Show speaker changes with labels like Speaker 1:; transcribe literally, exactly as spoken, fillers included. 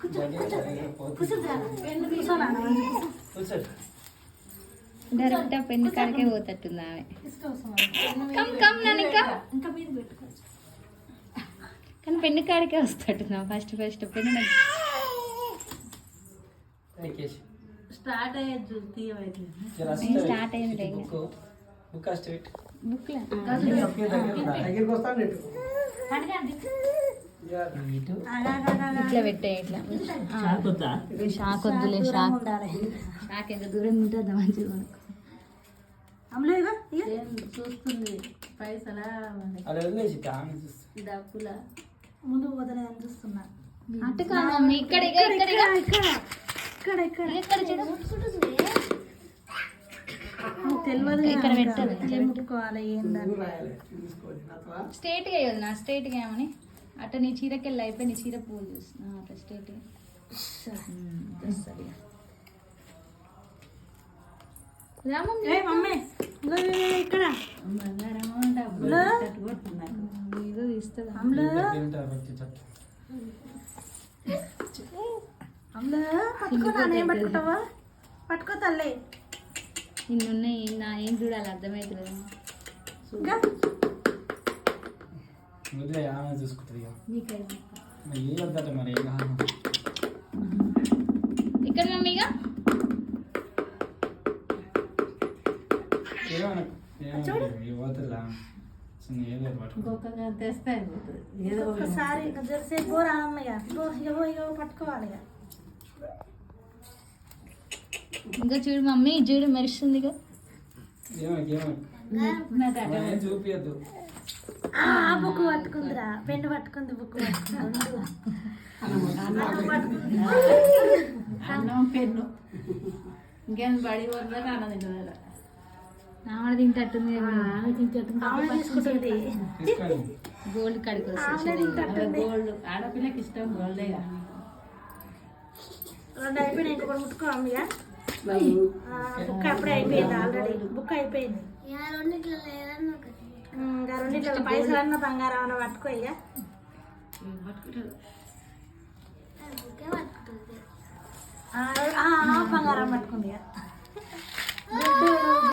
Speaker 1: Direct pen కాడికే పోతట్టుంది ఆమె. కానీ పెన్ను కాడికే వస్తట్టున్నా ఫస్ట్ ఫస్ట్ పెన్ను
Speaker 2: స్టార్ట్ అయ్యేది
Speaker 1: స్టార్ట్ అయింది బుక్ ఇట్లా పెట్టే ఇట్లా షాక్ వద్దులే షాక్ షాక్ ఎంత దూరం ఉంటుందా మంచిగా
Speaker 2: చూస్తుంది పైసలా డబ్బుల
Speaker 3: ముందు పోతలే అని చూస్తున్నా.
Speaker 1: అటు కాదు మమ్మీ ఇక్కడ ఇక్కడ ఇక్కడ
Speaker 3: ఇక్కడ ఇక్కడ
Speaker 1: ఇక్కడ చూడు
Speaker 3: తెలియదు
Speaker 1: ఇక్కడ పెట్టాలి
Speaker 3: ముట్టుకోవాలి ఏందని
Speaker 1: స్ట్రేట్ గా నా స్ట్రేట్ గా ఏమని అట్ట నీ చీరకెళ్ళి అయిపోయి నీ చీర పూలు చూస్తున్నా అట్లా స్ట్రేట్ గా
Speaker 3: మమ్మీ ఇక్కడ
Speaker 1: ఏదో తీస్తుంది
Speaker 3: పట్టుకుంటావా పట్టుకో తల్లి
Speaker 1: ఇన్నున్నాయి నా ఏం చూడాలి అర్థమవుతుంది ఇక్కడ మమ్మీగా
Speaker 3: ఒకసారి జరసేపు గో రామయ్య గో ఇగో ఇగో పట్టుకోవాలి ఇక.
Speaker 1: ఇంకా చూడు మమ్మీ చూడు మెరుస్తుందిగా
Speaker 4: చూపియద్దు.
Speaker 3: బుక్ పట్టుకుందిరా పెన్ను పట్టుకుంది బుక్
Speaker 2: అన్నం పెన్ను ఇంకేం బడి వరకు అన్నది
Speaker 1: ఆమె తింటట్టుంది
Speaker 3: తీసుకుంటుంది
Speaker 1: గోల్డ్ కడికి
Speaker 2: గోల్డ్ ఆడపిల్లకి ఇష్టం గోల్డేగా.
Speaker 3: రెండు అయిపోయినాయి ఇంకొకటి ముట్టుకో అమ్మయ్య. బుక్ అప్పుడే అయిపోయింది ఆల్రెడీ బుక్ అయిపోయింది. ఇంకా రెండిట్లో పైసలు అన్న బంగారం అన్న పట్టుకో ఇక బంగారం పట్టుకుంది ఇక